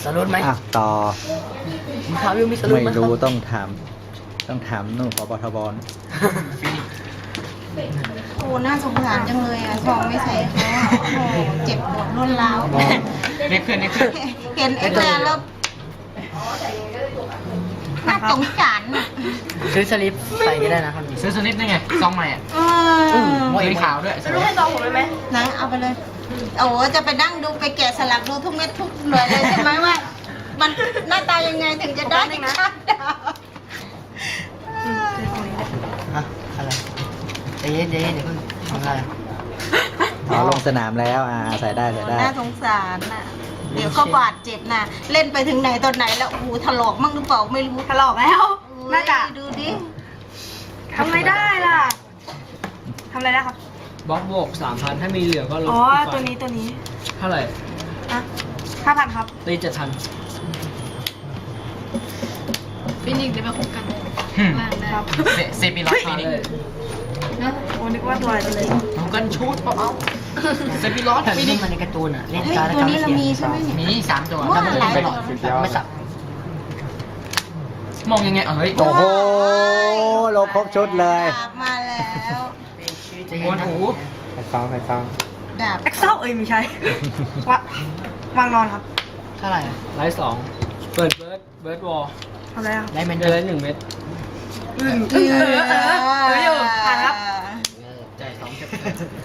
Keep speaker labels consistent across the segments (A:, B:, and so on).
A: รุปไหม
B: ต่อ
A: มีข่าววิวมีสรุปไหม
B: ไม่รู้ต้องถามนู่นพบทบ
C: โอ้น่าสงสารจังเลยอ่ะทองไม่ใส่เขาอ่ะโอ้เจ็บปวดรุนแรง
A: เด็กเพื่อน
C: เห็นไอ้เนี่ยแล้วน่าสงสารอ่ะ
A: ซื้อสลิปใส่ก็ได้นะครับซื้อสลิปได้ไงซองใหม่อ่ะสีขาวด้วยรู้ให้ซองผมเลยไหม
C: นะเอาไปเลยโอ้จะไปนั่งดูไปแกะสลักดูทุกเม็ดทุกหน่วยเลยใช่ไหมว่า มันหน้าตายังไงถึงจะได้นะ
A: ฮะอะไรใจเย็นเดี๋ยวเพิ่งทำอะไร
B: ลงสนามแล้วใส่ได้ได้
C: น่าสงสารน่ะเดี๋ยวก็บาดเจ็บน่ะเล่นไปถึงไหนตอนไหนแล้วโอ้โหถลอกมั่งหรือเปล่าไม่รู้
D: ถลอกแล้วน่าจะ
C: ดูดิ
D: ทำไม่ได้ล่ะทำอะไรได้ครับ
A: บล็อกโบก3,000ถ้ามีเหลือก็ลด
D: อ๋อตัวนี้
A: เท่าไหร่
D: อ่ะ5,000ครับ
A: ตี7,000
E: ฟินิกส์ได้มาคุกกันล่างได้
D: ครับ
A: เซปีล็อตฟินิก
E: นะ
D: โอ้นึกว่าตัวอะไรจะเลย
A: ทำกันชูดเปล่าเซปีล็อตฟินิกมันในการ์ตูนอ่ะเล่น
C: เฮ้ย
A: การ์ด
C: ตัวนี้เรามีใช่ไหมเนี่ย
A: มี3ตัว
C: ว่าหลายตัว
A: ไม่สับมองยังไงเฮ้ย
B: โอ้โหลงครบชุดเลย
C: ดาบมาแล้ว
A: มวนหู
B: ใครฟัง
C: ดาบ
D: เอ็กเซลไม่ใช่วางนอนครับ
A: เท่าไหร่ไลท์2เปิดเบิร์ดวอล
D: ทำอะไรครับ
A: ไลท์แมนเดอร์ไลท์1 เม็ด
D: อยู่ผ่านครับ
A: จ่าย2จะ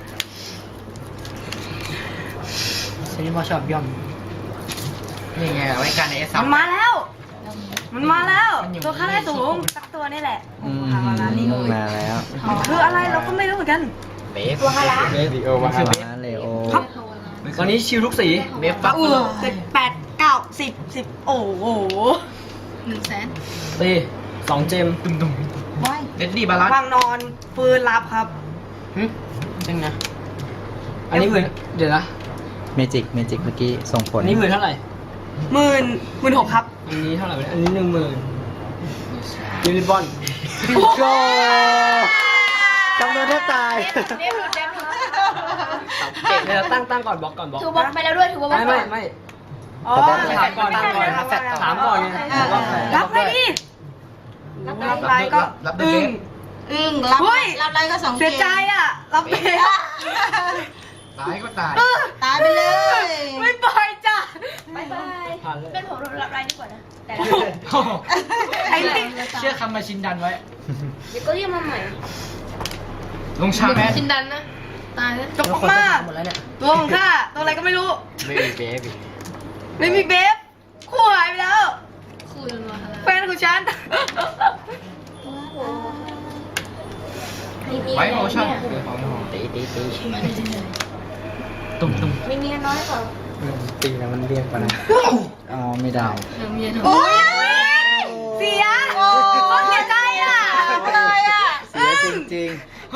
A: ซีรีส์บอชอบย่อมนี่ไงไว้การในเอส
D: มันมาแล้ว ตัวค่าได้สูงสักตัวนี่แหละหามาแล้วนี่
B: มาแล้ว
D: คืออะไรเราก็ไม่รู้เหมือนกัน
A: เบฟตัวฮาระ
B: ลีโอมาเลโอ
D: ครับ
A: ตอนนี้ชิลทุกสีเบฟปั๊บ
D: 7 8 9 10 โอ้โห
E: 100,000
A: ตี2 เจมดุม
C: ว้าย
A: เดดดี้บาลัน
D: วางนอนปืนรับครับ
A: จริงนะอันนี้ผืนเดี๋ยวนะ
B: เมจิกเมื่อกี้ส่งผล
A: อันนี้ผืนเท่าไหร่
D: 16,000ครับ
A: อันนี้เท่าไหร่อันนี้10,000ยูนิบอล
B: โก้จำนวนแทบตาย
A: เดี๋ยวตั้งก่อนบล็อกก่อนบล็อก
E: ถือบล็อกไปแล้วด้วยถือบล็อก
A: ไม่
D: อ๋อ
A: ถามก่อนถามก่อนไง
D: รับไปดิรับไปก็อึ้ง
C: อึ้งรับ
D: เฮ้ย
C: รับอะไรก็สอง
D: เสียใจอ่ะ รับไป
A: ตายก็ตาย
C: ตายไปเลย
D: ไม่ปล่อยจ้ะ
E: บายบาย
A: ผ่านเลย
E: เป็นผมรับรายดีกว่านะ แต่
D: ไอ้นี่
A: เชื่อคำมาชินดันไว้
E: เดี๋ยวก็เรียกมาใหม่
A: ลงชาแมน
E: ชินดันนะ ตายแล้ว
D: จบมาก
A: หมดแล้วเนี่ย
D: ตัวของข้าตัวอะไรก็ไม่รู้
A: ไม่มีเบบี
D: ไม่มีเบฟคู่หายไปแล้ว
E: คุยกันมา
D: แฟนของฉัน
A: ไว้โอชั่นตีตุ่ม
E: มีเมียน้อยเปล่า
B: ตีแล้วมันเรียกมาไม่ได้
E: เมียน้อย
D: โอ้ยเสียโอ้เสียใจอ่ะ
C: เลยอ่ะ
B: เสียจริง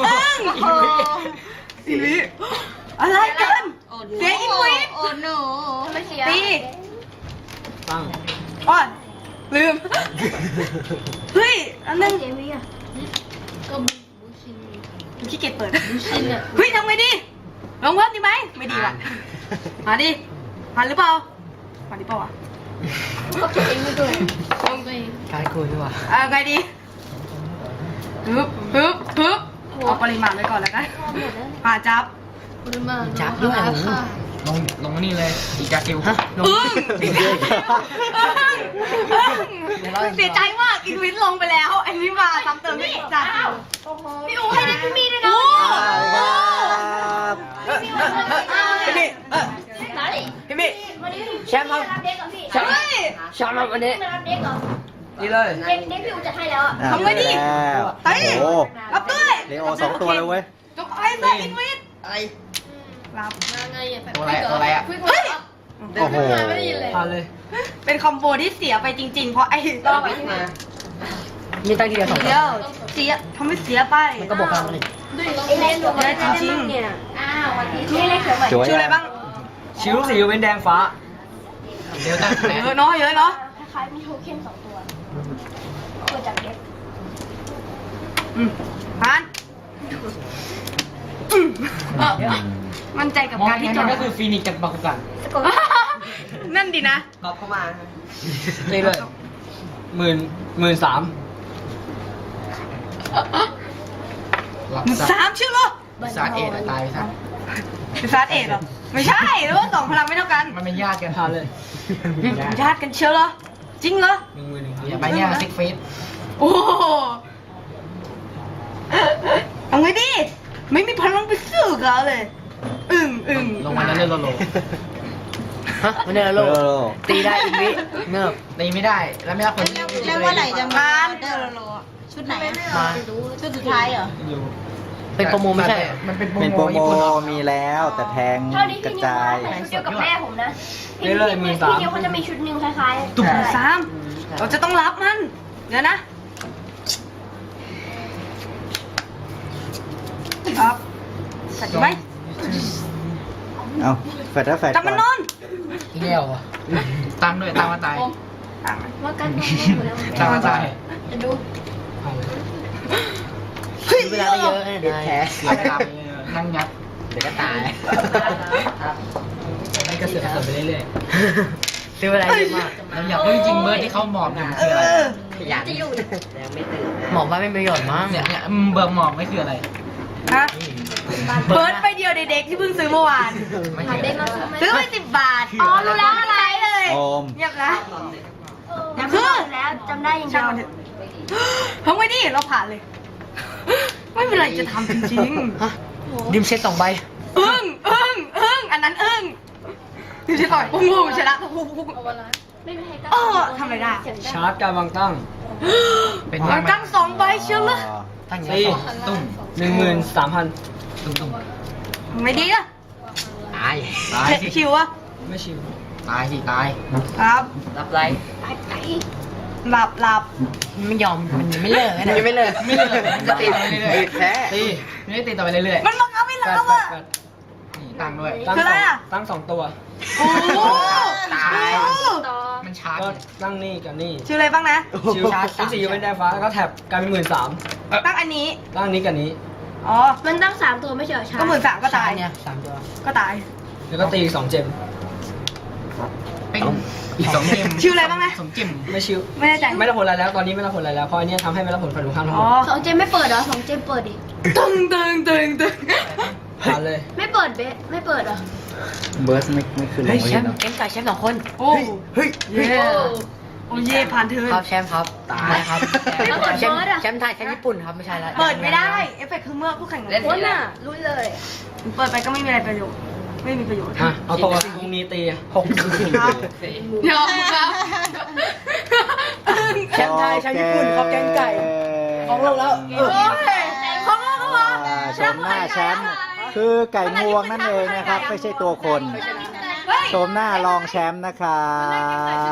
D: อีวิอะไรกัน
C: โอ้
D: เสียอีกวิ
C: โอ้หนู
E: ไม่เสีย
D: ตี
A: ตั้ง
D: อ้อนลืม เฮ้ย อันนึง
E: เสียเมียก็บูชิน
D: ขี้เกียจเปิด
E: บูชินอ่ะ
D: เฮ้ยทำไงดีลองเพิ่มดีไหมไม่ดีว่ะมาดิมาหรือเปล่ามาดิเปล่าวะ
E: เขาเก็บเองไม่ด้วยต้องไป
A: การคุยดีกว่า
D: ไงดีฮึบเอาปริมาณไว้ก่อนแล้วกันมาจับ
E: คุณมา
A: จับด้วยลงนี่เลยอีกาคิวฮะลง
D: เสียใจมากอีกวินลงไปแล้วอันนี้มาซ้ำเติมไม่จับ
E: พี่อู๋ให้ได้พี่มีด้วยนะ
A: พี่มิ
E: วันนี้
A: แชมป์ครับ
E: รับเด็กกับพี่
A: แชมป์ครับวันนี้
E: มารับเด็กเหรอ
A: นี่เลย
E: เด็กพี่อู๋จะให้แล้วอ่ะ
B: ทำไงดีโอ้โห
D: รับด้วย
B: เลโอ2 ตัวเลยเว้ย
D: จบไอ้สัตว์อีกวิน
A: อะไร
D: รับ
E: มาไงอ่ะ
A: ตัวอะไรอะ
D: เฮ้ย
B: โอ้โห
E: ไม่ได้ยินเลย
A: ผ่านเลย
D: เป็นคอมโบที่เสียไปจริงๆ เพราะไอ้
E: รอไปที่ไหน
A: มีตั้งทีเดียว2
D: เดียวเสียทำให้เสียไป
A: มันก็บอกกันเลย
E: ไอ้เล่น
D: เยอะจริงๆ
E: เนี่ยอ้าววันนี้นี่เล็กเขียวใหม่
B: จั่ว
D: ชื่ออะไรบ้าง
A: ชิวสีเว้นแดงฟ้าเดี๋ยวตั้ง
D: เยอะเนาะเยอะเนาะ
E: คล้ายๆมีโทเค็น2 ตัวเกิดจากเด็ก
D: ผ่านมั่นใจกับ
A: มอง
D: การที่
A: ที่
D: จ
A: จ
D: บ
A: ก็คือฟีนิกซ์กับบาคุกัน
E: สะกด
D: นั่นดินะ
B: ตอบเข้ามาตีเลย13,000
A: หลับ
D: สามชื่อเหรอ
A: ซาเอ็ดตายซะ
D: เป็นซาร์เอ็ดเหรอ ไม่ใช่หรือว่าสองพลังไม่เท่ากัน
A: มันเป็นญาติกัน
B: พาเลย
D: ญาติกันเชียวเหรอ จริงเหรอ
A: อย่าไปเนี่ยซิกฟีด
D: โอ้โหเอาไงดิ ไม่มีพลังไปสู้เขาเลย อึ้ง
A: ลงมาแล้วเล่นโลโล
B: ฮะมันเนี่ยโลตีได้อีกวิเงือบ
A: ตีไม่ได้แล้วไม่รับคน
C: แล้วว่าไหร่จะมาเดอร์โลชุดไหนอะ
B: มา
C: ชุดสุดท้ายเหรอ
A: อยู่
B: เป็นโปรโมไม่ใช่
A: มันเป็น
F: เป็น
A: โป
F: โป
A: ร
F: ร
A: โม
F: โม
A: ญี่ปุ่นเหรอ
F: มีแล้วแต่แพง
E: เท่าที่
F: ก
E: พี่
F: ระ
E: นิว
F: จาย
E: ใส่ชุดเดียวกับแม่ผมนะ
B: เรื่อยๆ
E: พี่นิวเขาจะมีชุดหนึ่งคล้ายๆ
D: ตุ่มสามเราจะต้องรับมัน เดี๋ยวนะ ครับใส่ไหม
F: เอาแฟดแล้วแฟด
D: จับมันนอน
A: เลี้ยวอ่ะตั้งด้วยตั้งมาตาย
E: ว่ากันหมดแล้ว
A: ตั้งมาตาย
E: จะดู
B: เวลาไม่เยอะเนี่ยแพ้
A: เอาไปรับนั่งยัด
B: เดี๋ยวก็ตาย
A: ให้กระเสือกกระสนไปเรื่อย
B: ซื้อเวลาเยอะมาก
A: ๆเราอยากรู้จริงๆเบิร์ดที่เขาหมอบเนี่ยมันคืออะไร
B: ขยันหมอกว่าไม่มีประโยชน์มั้ง
A: เนี่ยเบิร์ดหมอบไม่คืออะไร
D: ฮะเบิร์ดไปเดียวเด็กๆที่เพิ่งซื้อเมื่อวาน
A: ไม่
E: หา
A: ใช่
E: ได้มาซื้อไหม
D: ซื้อไป10 บาท อ๋อ รู้แล้วอะไรเลย
F: โอม
D: เงียบนะ
E: ยังไม่ซื้อแล้วจำได้อย่างเดี
D: ช่าง
E: ยว
D: มันเถอะทำไงดิเราผ่านเลย ไม่เป็นไรจะทำจริง
B: ฮะดิมเซ็ต2 ใบ
D: ๆอึ้งอันนั้นอึ้งดูสิต่อยปุ้งปุ้งชนะปุ้งปุ้ง
E: ไม่มีใครกล้า
D: เออทำอะไรได้
B: ชาร์จการวางตั้ง
A: เป็น
D: มันตั้ง2 ใบเชียวเลย
B: ตั้งอย่าง
A: ตี
B: นี้
A: ตุ้ม
B: 13,000
A: ตุ้ม
D: ไม่ดีอะ
B: ตาย
A: ตายสิ
D: ชิวอะ
B: ไม่ชิว
A: ตายสิตาย
D: ครับ
B: รับไร
D: หลับ
B: ไม่ยอมมันยังไม่เลิกนะยังไม่เลิก
A: ไม่เลิกมันจะตีต่อไปเรื่อย
F: แพ้
A: ๆตีไม่ได้ตีต่อไปเรื่อย
D: มันบังคับให้เราอะ
A: ๆนี่ตั้งด้วย
D: คืออะไรอะ
B: ตั้ง2 ตัว
D: โอ้โห
A: ตาย
D: โอ้โห
E: ต่อ
A: มันชาร์จ
B: ก็ตั้งนี่กับนี่
D: ชื่ออะไรบ้างนะ
B: ชิวชิวสีอยู่เป็นแดงฟ้าแล้วก็แท็บกลายเป็น13,000
D: ตั้งอันนี้
B: ตั้งนี้กับนี้
D: อ๋อ
E: มันตั้ง3ตัวไม่ใช่เหรอชา
D: ก็13,000ก็ตาย
B: เนี่ย3 ตัว
D: ก็ตาย
B: แล้วก็ตีอีก2 เจม
A: เป็นอีก2เกม
D: ชื่ออะไรบ้างนะ
A: 2เกม
B: ไม่ชิว
D: ไม่แน่ใจ
B: ไม่รับผลอะไรแล้วตอนนี้ไม่รับผลอะไรแล้วเพราะอันเนี้ยทำให้ไม่รับผลฝ่ายตรงข้ามทั้งห
D: อ๋
B: ม
D: อ
B: ด
E: 2 เจมไม่เปิดเหรอ2 เจมเปิดดิ
D: ตึง
B: ผ่านเลย
E: ไม่เปิดเบสไม่เปิดเหรอ
F: เบิร์สไม่ขึ้นล
B: เฮ้ย
F: ง
B: แช
F: ไม่
B: ม
F: เห็น
B: ป์
F: หรอ
B: เกมไก่แชมป์2 คน
D: โอ้
B: เฮ้ย
D: เย่โอ้เย่ผ่านเทิร์น
B: ครับแชมป์ครับตายครับ
E: ไม่เปิด
B: แชมป์
E: เบิร์ดอะ
B: แชมป์ไทยแชมป์ญี่ปุ่นครับไม่ใช่ละ
D: เปิดไม่ได้ เอฟเฟกต์คือเมื่อคู่แข่ง
E: โอ้น่ะรู้เลย
D: เปิดไปก็ไม่มีอะไรประโยชน์ ไม่มีประโยชน์
B: อ่ะเอาตัวตรงนี้ตี6
D: ครับยอมครับ
B: แชมป์ไทยแชมป์ญี่ปุ่นครับแกงไก่ของเราแล้ว
D: โอ้ยของเราก็มา
F: ชมหน้าแชมป์คือไก่งวงนั่นเองนะครับ ไม่ใช่ตัวคน
D: เฮ้ย
F: ชมหน้ารองแชมป์นะครับ